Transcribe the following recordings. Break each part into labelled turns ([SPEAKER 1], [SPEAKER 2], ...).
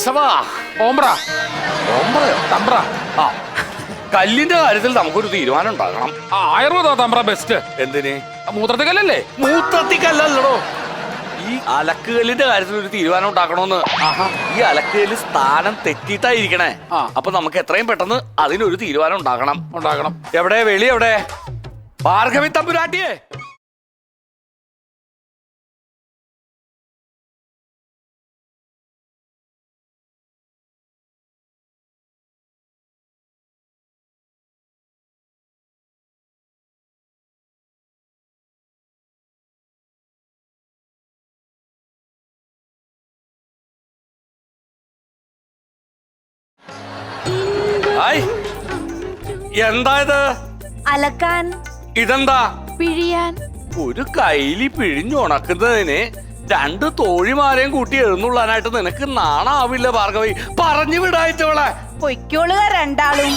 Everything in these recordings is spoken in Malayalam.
[SPEAKER 1] കേശവാ.
[SPEAKER 2] ഓംബ്ര
[SPEAKER 1] ഓംബ്രയോ?
[SPEAKER 2] തമ്പ്ര.
[SPEAKER 1] ആ, കല്ലിന്റെ കാര്യത്തിൽ നമുക്കൊരു തീരുമാനം ഉണ്ടാകണം.
[SPEAKER 2] ആയുർവേദ തമ്പ്ര ബെസ്റ്റ്.
[SPEAKER 1] എന്തിന്?
[SPEAKER 2] മൂത്രത്തിക്കല്ലേ?
[SPEAKER 1] മൂത്രത്തിക്കല്ലല്ലോ, ഈ അലക്കുകല്ലിന്റെ കാര്യത്തിൽ ഒരു തീരുമാനം ഉണ്ടാക്കണോന്ന്. ഈ അലക്കുകല്ല് സ്ഥാനം തെറ്റിയിട്ടായിരിക്കണേ. അപ്പൊ നമുക്ക് എത്രയും പെട്ടെന്ന് അതിനൊരു തീരുമാനം ഉണ്ടാക്കണം. എവിടെ വെളി? എവിടെ ഭാർഗവി തമ്പുരാട്ടിയെ? എന്താ ഇത്?
[SPEAKER 3] അലക്കാൻ.
[SPEAKER 1] ഇതെന്താ?
[SPEAKER 3] പിഴിയാൻ.
[SPEAKER 1] ഒരു കൈലി പിഴിഞ്ഞുണക്കുന്നതിന് 2 തോഴിമാരെയും കൂട്ടി എഴുന്നള്ളാനായിട്ട് നിനക്ക് നാണാവില്ല ഭാർഗവി? പറഞ്ഞു വിടായിട്ടവളെ.
[SPEAKER 3] പൊയ്ക്കോളുക രണ്ടാളും.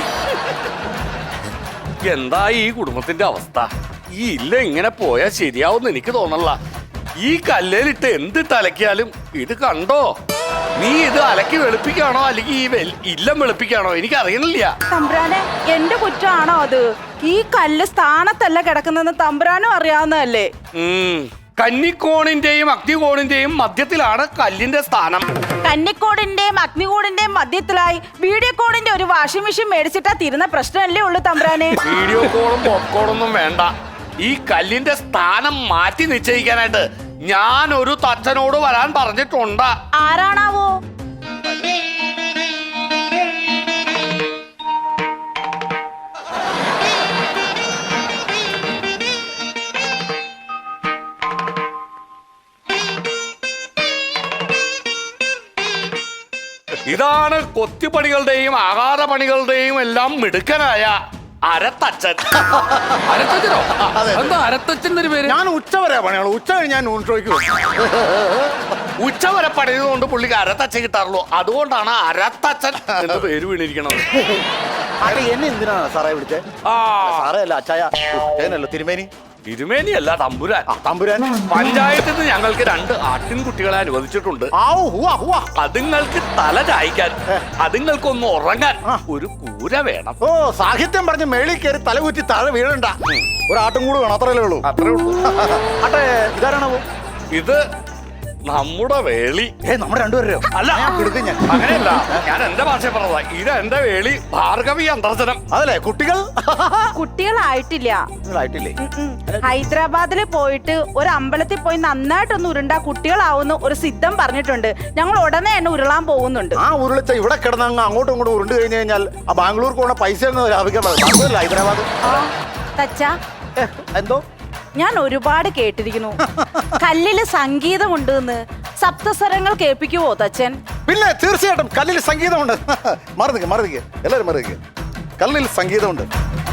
[SPEAKER 1] എന്താ ഈ കുടുംബത്തിന്റെ അവസ്ഥ? ഈ ഇല്ല ഇങ്ങനെ പോയാ ശരിയാവും എനിക്ക് തോന്നല്ല. ഈ കല്ലേലിട്ട് എന്തിട്ട് അലക്കിയാലും ഇത് കണ്ടോ? നീ ഇത് അലക്കി വെളുപ്പിക്കാണോ അല്ലെങ്കിൽ ഈ ഇല്ലം വെളുപ്പിക്കാണോ എനിക്ക് അറിയണില്ല.
[SPEAKER 3] തമ്പ്രാനെ, എന്റെ കുറ്റമാണോ അത്? ഈ കല്ല് സ്ഥാനത്തല്ല കിടക്കുന്നതെന്ന് തമ്പ്രാനും അറിയാവുന്നതല്ലേ?
[SPEAKER 1] കന്നിക്കോണിന്റെയും അഗ്നികോണിന്റെയും മധ്യത്തിലാണ് കല്ലിന്റെ സ്ഥാനം.
[SPEAKER 3] കന്നിക്കോടിന്റെയും അഗ്നികോടിന്റെയും മധ്യത്തിലായി വീഡിയോ കോണിന്റെ ഒരു വാഷിംഗ് മെഷീൻ മേടിച്ചിട്ടാ തീരുന്ന പ്രശ്നമല്ലേ ഉള്ളു തമ്പ്രാനെ.
[SPEAKER 1] വീഡിയോ കോളും പോപ്കോണൊന്നും വേണ്ട. ഈ കല്ലിന്റെ സ്ഥാനം മാറ്റി നിശ്ചയിക്കാനായിട്ട് ഞാൻ ഒരു തച്ചനോട് വരാൻ പറഞ്ഞിട്ടുണ്ട്.
[SPEAKER 3] ആരാണാവോ?
[SPEAKER 1] ഇതാണ് കൊത്തിപ്പണികളുടെയും ആകാരപണികളുടെയും എല്ലാം മിടുക്കനായ അരത്തച്ഛൻ.
[SPEAKER 2] അരത്തച്ഛനോ? എന്താ അരത്തച്ഛൻ്റെ പേര്?
[SPEAKER 4] ഞാൻ ഉച്ചവരെ പണിയുള്ളൂ. ഉച്ച കഴിഞ്ഞ് ഞാൻ ഊൺട്രോയ്ക്ക്
[SPEAKER 1] ഉച്ചവരെ പണിതുകൊണ്ട് പുള്ളിക്ക് അരത്തച്ഛൻ കിട്ടാറുള്ളൂ. അതുകൊണ്ടാണ് അരത്തച്ഛൻ എന്ന് പേര് വീണിരിക്കണത്.
[SPEAKER 4] എന്നെ എന്തിനാണ് സാറേ വിളിച്ചേ? സാറേ അല്ല, അച്ചായല്ലോ തിരുമേനി.
[SPEAKER 1] തിരുമേനിയല്ല, തമ്പുരാൻ.
[SPEAKER 4] തമ്പുരാൻ.
[SPEAKER 1] പഞ്ചായത്തിൽ നിന്ന് ഞങ്ങൾക്ക് 2 ആട്ടിൻകുട്ടികളെ അനുവദിച്ചിട്ടുണ്ട്. അതുങ്ങൾക്ക് തല ചായ്ക്കാൻ, അതുങ്ങൾക്കൊന്ന് ഉറങ്ങാൻ ഒരു കൂര വേണം.
[SPEAKER 4] ഓ, സാഹിത്യം പറഞ്ഞ് മേളിൽ കയറി തലകുറ്റി താഴെ വീഴണ്ട. ഒരാട്ടും കൂടെ വേണം, അത്രയല്ലേ ഉള്ളൂ.
[SPEAKER 1] അത്രേ ഉള്ളൂ.
[SPEAKER 4] അട്ടെ, ഇതാരാണോ?
[SPEAKER 1] ഇത് നമ്മുടെ വേളി.
[SPEAKER 4] നമ്മുടെ രണ്ടുപേരെയോ?
[SPEAKER 1] അല്ല,
[SPEAKER 4] ഞാൻ
[SPEAKER 1] അങ്ങനെയല്ല, ഞാൻ എന്റെ ഭാഷ പറഞ്ഞതാ. ഇത് എന്റെ വേളി ഭാർഗവി അന്തർജനം.
[SPEAKER 4] അതല്ലേ
[SPEAKER 3] കുട്ടികളായിട്ടില്ല. ഹൈദരാബാദിൽ പോയിട്ട് ഒരു അമ്പലത്തിൽ പോയി നന്നായിട്ടൊന്ന് ഉരുണ്ടാ കുട്ടികളാവുന്ന ഒരു സിദ്ധം പറഞ്ഞിട്ടുണ്ട്. ഞങ്ങൾ ഉടനെ തന്നെ ഉരുളാൻ പോകുന്നുണ്ട്.
[SPEAKER 4] ആ ഉരുളിച്ച ഇവിടെ കിടന്ന് അങ്ങോട്ടും ഇങ്ങോട്ടും ഉരുണ്ട് കഴിഞ്ഞു കഴിഞ്ഞാൽ ആ ബാംഗ്ലൂർക്ക് പോണ പൈസ ഹൈദരാബാദ്.
[SPEAKER 3] തച്ചാ,
[SPEAKER 4] എന്തോ
[SPEAKER 3] ഞാൻ ഒരുപാട് കേട്ടിരിക്കുന്നു കല്ലില് സംഗീതമുണ്ട് എന്ന്. സപ്തസ്വരങ്ങൾ കേൾപ്പിക്കുവോ തച്ചൻ?
[SPEAKER 4] പിന്നെ തീർച്ചയായിട്ടും കല്ലിൽ സംഗീതമുണ്ട്. മറുതിക്ക് എല്ലാവരും മറുതിക്ക്. കല്ലിൽ സംഗീതമുണ്ട്.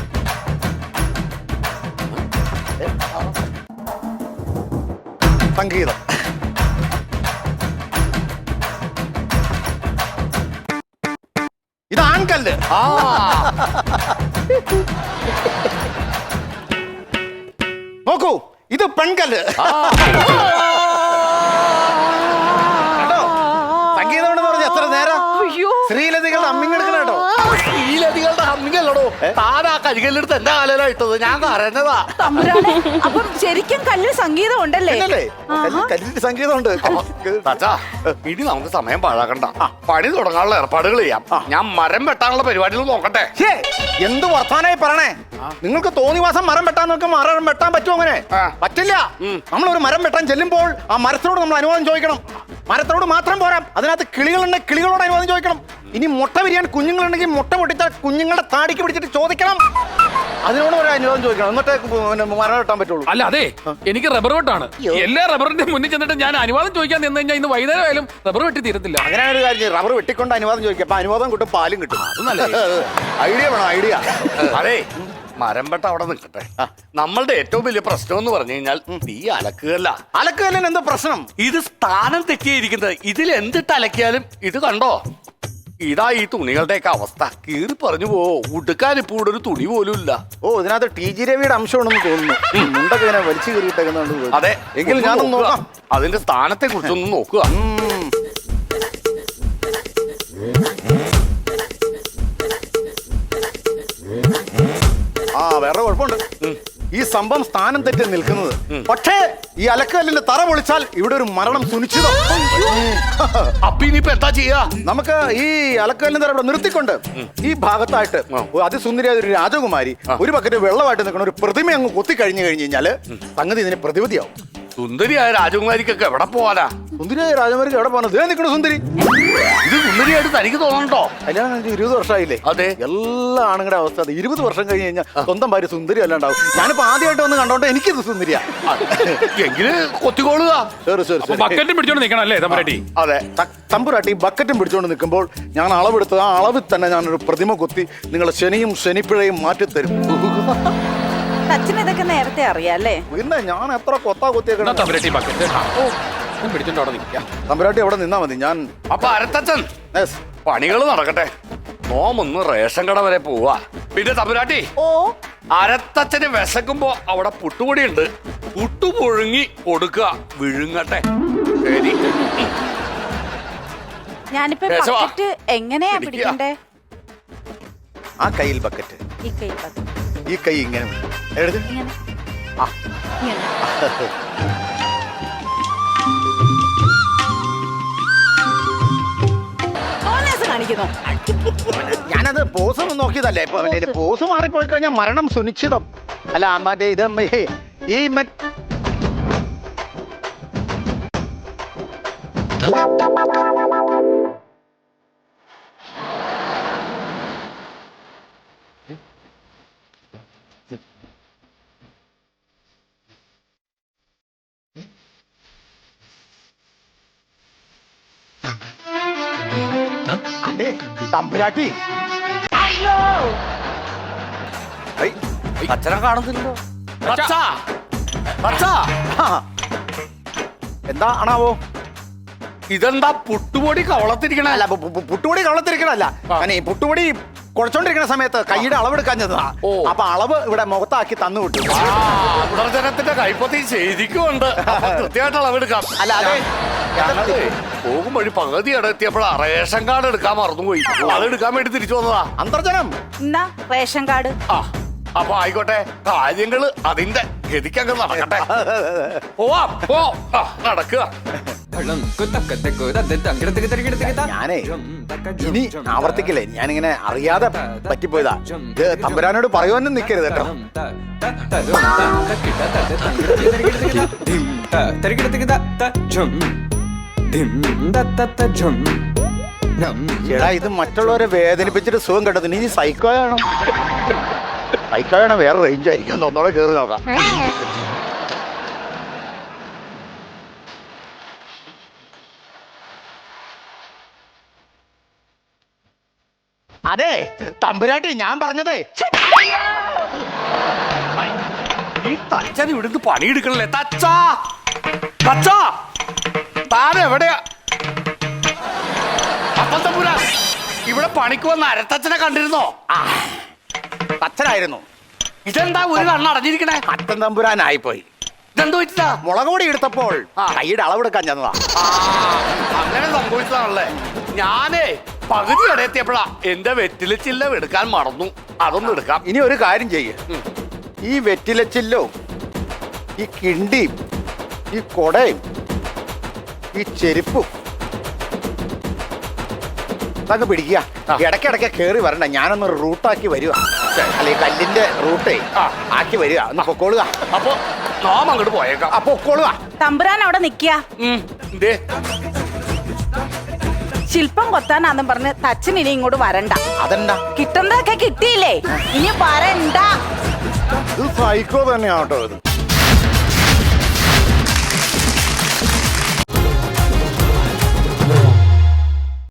[SPEAKER 4] സംഗീതം ഇത് ആൺകല്ല്. നോക്കൂ, ഇത് പെൺകല്ല്. സംഗീതം ഉണ്ടെന്ന് പറഞ്ഞ എത്ര നേരം ശ്രീലതികളുടെ അമ്മിങ്ങെടുക്കണം കേട്ടോ.
[SPEAKER 1] ശ്രീലതികളുടെ അമ്മിങ്ങല്ലോ താനാ കരികല്ലെടുത്ത് എന്റെ കാലയിട്ടത് ഞാൻ അറിഞ്ഞതാ.
[SPEAKER 3] അപ്പം ശരിക്കും കല്ലിൽ സംഗീതം ഉണ്ടല്ലേ?
[SPEAKER 4] കല്ലിന്റെ സംഗീതമുണ്ട്.
[SPEAKER 1] ഇനി നമുക്ക് സമയം പാഴാക്കണ്ട, പണി തുടങ്ങാനുള്ള ഏർപ്പാടുകൾ ചെയ്യാം. ഞാൻ മരം വെട്ടാനുള്ള പരിപാടികൾ നോക്കട്ടെ.
[SPEAKER 4] എന്ത് വർത്താനായി പറയണേ? നിങ്ങൾക്ക് തോന്നിവാസം മരം വെട്ടാൻ നോക്കും. മരം വെട്ടാൻ പറ്റുമോ? അങ്ങനെ പറ്റില്ല. നമ്മളൊരു മരം വെട്ടാൻ ചെല്ലുമ്പോൾ ആ മരത്തിനോട് നമ്മൾ അനുവാദം ചോദിക്കണം. മരത്തിനോട് മാത്രം പോരാ, അതിനകത്ത് കിളികളുണ്ടെങ്കിൽ കിളികളോട് അനുവാദം ചോദിക്കണം. ഇനി മുട്ട വിരിയാൻ കുഞ്ഞുങ്ങളുണ്ടെങ്കിൽ മുട്ട പൊട്ടിച്ചാൽ കുഞ്ഞുങ്ങളുടെ താടിക്ക് പിടിച്ചിട്ട് ചോദിക്കണം. അതിനോട് ഒരു അനുവാദം ചോദിക്കണം, എന്നിട്ടേ മരം വെട്ടാൻ പറ്റുള്ളൂ.
[SPEAKER 2] അല്ല, അതെ, എനിക്ക് റബ്ബർ വെട്ടാണ്. എല്ലാ റബ്ബറിന്റെ മുന്നിൽ ചെന്നിട്ട് ഞാൻ അനുവാദം ചോദിക്കാൻ നിന്ന് കഴിഞ്ഞാൽ ഇന്ന് വൈകുന്നേരം ആയാലും റബ്ബർ വെട്ടി തീരത്തില്ല.
[SPEAKER 4] അങ്ങനെ ഒരു കാര്യം, റബ്ബർ വെട്ടിക്കൊണ്ട് അനുവാദം ചോദിക്കാം. അപ്പൊ അനുവാദം കിട്ടും, പാലും കിട്ടും.
[SPEAKER 1] അത് നല്ല
[SPEAKER 4] ഐഡിയ വേണം, ഐഡിയ.
[SPEAKER 1] അതെ, മരം വെട്ട അവിടെ നിൽക്കട്ടെ. നമ്മളുടെ ഏറ്റവും വലിയ പ്രശ്നം എന്ന് പറഞ്ഞു കഴിഞ്ഞാൽ ഈ അലക്കുകല്ല.
[SPEAKER 4] അലക്കുകല്ലിന് എന്താ പ്രശ്നം?
[SPEAKER 1] ഇത് സ്ഥാനം തെറ്റിയിരിക്കുന്നത്. ഇതിൽ എന്തിട്ട് അലക്കിയാലും ഇത് കണ്ടോ, ഇതാ ഈ തുണികളുടെയൊക്കെ അവസ്ഥ. കീറി പറഞ്ഞു പോവോ, ഉടുക്കാൻ ഇപ്പൊ ഇവിടെ ഒരു തുണി പോലും ഇല്ല.
[SPEAKER 4] ഓ, ഇതിനകത്ത് ടി.ജി. രവിയുടെ അംശമാണെന്ന് തോന്നുന്നു. മുണ്ടൊക്കെ ഇങ്ങനെ വലിച്ചു കീറിയിട്ടേക്കുന്നുണ്ട്.
[SPEAKER 1] അതെ,
[SPEAKER 4] എങ്കിൽ ഞാനൊന്ന് നോക്കാം.
[SPEAKER 1] അതിന്റെ സ്ഥാനത്തെ കുറിച്ചൊന്ന് നോക്കുക.
[SPEAKER 4] വേറെ കുഴപ്പമുണ്ട്. ഈ സംഭവം സ്ഥാനം തെറ്റി നിൽക്കുന്നത്. പക്ഷേ ഈ അലക്കല്ലിന്റെ തറ പൊളിച്ചാൽ ഇവിടെ ഒരു മരണം സുനിശ്ചിതം.
[SPEAKER 1] അപ്പൊ ഇനിയിപ്പോ എന്താ ചെയ്യാ?
[SPEAKER 4] നമുക്ക് ഈ അലക്കല്ലിന്റെ തറ ഇവിടെ നിർത്തിക്കൊണ്ട് ഈ ഭാഗത്തായിട്ട് അതിസുന്ദരിയായ ഒരു രാജകുമാരി ഒരു ബക്കറ്റ് വെള്ളമായിട്ട് നിൽക്കുന്ന ഒരു പ്രതിമ അങ്ങ് കൊത്തി കഴിഞ്ഞു കഴിഞ്ഞാല് സംഗതി ഇതിന് പ്രതിവിധിയാവും.
[SPEAKER 1] സുന്ദരിയായ രാജകുമാരിക്കൊക്കെ എവിടെ പോവാനാ?
[SPEAKER 4] സുന്ദരിയായ രാജകുമാരിക്ക് എവിടെ പോകണം? ഇതേ നിൽക്കണ സുന്ദരി.
[SPEAKER 1] ഇത് സുന്ദരിയായിട്ട് തനിക്ക് തോന്നണ്ടോ?
[SPEAKER 4] കല്യാണം കഴിഞ്ഞ് 20 വർഷമായില്ലേ?
[SPEAKER 1] അതെ.
[SPEAKER 4] എല്ലാ ആണുങ്ങളുടെ അവസ്ഥ അത്. 20 വർഷം കഴിഞ്ഞ് കഴിഞ്ഞാൽ സ്വന്തം ഭാര്യ സുന്ദരി അല്ലാണ്ടാവും. ഞാനിപ്പോ ആദ്യമായിട്ട് വന്ന് കണ്ടോണ്ട് എനിക്കിത് സുന്ദരിയാ.
[SPEAKER 1] എങ്കില് കൊത്തിക്കോളുക.
[SPEAKER 2] ബക്കറ്റും പിടിച്ചോണ്ട് നിൽക്കണം അല്ലേ തമ്പുരാട്ടി?
[SPEAKER 1] അതെ.
[SPEAKER 4] തമ്പുരാട്ടി ബക്കറ്റും പിടിച്ചോണ്ട് നിൽക്കുമ്പോൾ ഞാൻ അളവെടുത്ത് ആ അളവിൽ തന്നെ ഞാനൊരു പ്രതിമ കൊത്തി നിങ്ങളെ ശനിയും ശനിപ്പിഴയും മാറ്റിത്തരും.
[SPEAKER 3] അച്ഛന് ഇതൊക്കെ നേരത്തെ അറിയാല്ലേ?
[SPEAKER 4] പിന്നെ ഞാൻ എത്ര കൊത്താ കൊത്തിയേക്കണം.
[SPEAKER 2] തമ്പുരാട്ടി ബക്കറ്റ് പിടിച്ചോണ്ട് അവിടെ നിൽക്കാം.
[SPEAKER 4] തമ്പുരാട്ടി അവിടെ നിന്നാ മതി. ഞാൻ
[SPEAKER 1] അപ്പൊ അരത്തച്ഛൻ പണികൾ നടക്കട്ടെ. നോമൊന്ന് റേഷൻ കട വരെ പോവാ. പിന്നെ തമ്പുരാട്ടി,
[SPEAKER 3] ഓ,
[SPEAKER 1] അരത്തച്ഛന് വിശക്കുമ്പോ അവിടെ പുട്ടുപൊടി ഉണ്ട്. പുട്ടു പുഴുങ്ങി കൊടുക്കുക, വിഴുങ്ങട്ടെ. ശരി.
[SPEAKER 3] ഞാനിപ്പോ
[SPEAKER 1] കേശവാ,
[SPEAKER 3] ബക്കറ്റ് എങ്ങനെയാ
[SPEAKER 1] പിടിക്കുക.
[SPEAKER 3] പിടിക്കണ്ടേ?
[SPEAKER 4] ആ കയ്യിൽ ബക്കറ്റ്,
[SPEAKER 3] ഈ കൈ ബക്കറ്റ്.
[SPEAKER 4] ഈ കൈ ഇങ്ങനെ എടുത്ത്
[SPEAKER 3] ഇങ്ങനെ.
[SPEAKER 4] ആ.
[SPEAKER 3] ഇങ്ങനെ. ഓനേസ് കാണിക്കുന്നു.
[SPEAKER 4] ഞാനത് പോസ് ഒന്ന് നോക്കിയതല്ലേ. ഇപ്പൊ പോസ് മാറിപ്പോയി കഴിഞ്ഞാൽ മരണം സുനിശ്ചിതം. അല്ല മറ്റേ ഇത് ഈ തമ്പുരാട്ടി
[SPEAKER 1] അച്ഛനെ കാണുന്നില്ലല്ലോ. അച്ഛാ, അച്ഛാ,
[SPEAKER 4] എന്താ ആണാവോ?
[SPEAKER 1] ഇതെന്താ പുട്ടുപൊടി കവളത്തിരിക്കണ?
[SPEAKER 4] അല്ല പുട്ടുപൊടി കവളത്തിരിക്കണല്ല. ഞാൻ ഈ പുട്ടുപൊടി കുഴച്ചോണ്ടിരിക്കുന്ന സമയത്ത് കൈയുടെ അളവെടുക്കാൻ ചെന്നതാ. അപ്പൊ അളവ് ഇവിടെ മുഖത്താക്കി തന്നു വിട്ടു.
[SPEAKER 1] പുനർജനത്തിന്റെ കൈപ്പത്തി ശരിക്കും ഉണ്ട്. കൃത്യമായിട്ട് അളവെടുക്കാം.
[SPEAKER 4] അല്ല അതെ,
[SPEAKER 1] ഞങ്ങള് പോകും വഴി പകുതി എത്തിയപ്പോഴാ റേഷൻ കാർഡ് എടുക്കാൻ മറന്നുപോയി. അത് എടുക്കാൻ വേണ്ടി തിരിച്ചു വന്നതാ.
[SPEAKER 4] അന്തർജനം
[SPEAKER 3] എന്നാ റേഷൻ കാർഡ്.
[SPEAKER 1] ആ, അപ്പൊ ആയിക്കോട്ടെ, കാര്യങ്ങള് അതിന്റെ ഗതിക്കങ്ങ് നടക്കട്ടെ. പോവാം, പോ. നടക്കുക.
[SPEAKER 4] ഞാനേ ഇനി ആവർത്തിക്കില്ലേ. ഞാനിങ്ങനെ അറിയാതെ പറ്റിപ്പോയതാ. ഇത് തമ്പുരാനോട് പറയുവാനും നിൽക്കരുത് കേട്ടോ. ചേടാ, ഇത് മറ്റുള്ളവരെ വേദനിപ്പിച്ചിട്ട് സുഖം കേട്ടതിന് ഇനി സൈക്കോയാണോ? സൈക്കോയാണോ വേറെ റേഞ്ച് ആയിരിക്കും. ഒന്നോടെ കയറി നോക്കാം. അതെ തമ്പുരാട്ടി, ഞാൻ പറഞ്ഞതേ
[SPEAKER 1] ഈ തച്ചൻ ഇവിടുന്ന് പണിയെടുക്കണല്ലേ? തച്ചാ, തച്ചാ, താനെവിടെയാ? അപ്പം തമ്പുരാ, ഇവിടെ പണിക്ക് വന്ന അരത്തച്ഛനെ കണ്ടിരുന്നോ?
[SPEAKER 4] അച്ഛനായിരുന്നു.
[SPEAKER 1] ഇതെന്താ ഒരു കണ്ണടഞ്ഞിരിക്കണേ?
[SPEAKER 4] അച്ഛൻ തമ്പുരാനായിപ്പോയി.
[SPEAKER 1] ഇതെന്തോ വെച്ചാ?
[SPEAKER 4] മുളക് പൊടി എടുത്തപ്പോൾ കൈയുടെ അളവെടുക്കാൻ ചെന്നതാ.
[SPEAKER 1] അങ്ങനെ സംഭവിച്ചതാണല്ലേ. ഞാനേ പകുതി ഇടയെത്തിയപ്പോഴാ എന്റെ വെറ്റില ചില്ല എടുക്കാൻ മറന്നു. അതൊന്നും എടുക്കാം.
[SPEAKER 4] ഇനി ഒരു കാര്യം ചെയ്യ്. ഈ വെറ്റിലച്ചില്ലോ, ഈ കിണ്ടിയും, ഈ കൊടയും, ഈ ചെരുപ്പും അതൊക്കെ പിടിക്കുക. ഇടയ്ക്കിടയ്ക്ക് കയറി വരണ്ട. ഞാനൊന്ന് റൂട്ടാക്കി വരിക. അല്ലെ കല്ലിന്റെ റൂട്ടേ ആക്കി വരിക. ഒന്ന് പൊക്കോളുക.
[SPEAKER 1] അപ്പൊ നാം അങ്ങോട്ട് പോയേക്കാം.
[SPEAKER 4] അപ്പൊ പൊക്കോളുക.
[SPEAKER 3] തമ്പുരാൻ അവിടെ നിക്കുക. ശില്പം കൊത്താനാന്നും പറഞ്ഞ് തച്ചൻ ഇനി ഇങ്ങോട്ട് വരണ്ട.
[SPEAKER 4] അതെന്താ?
[SPEAKER 3] കിട്ടുന്നതൊക്കെ കിട്ടിയില്ലേ, ഇനി വരണ്ട.
[SPEAKER 4] ഇത് സൈക്കോ തന്നെയാട്ടോ ഇത്.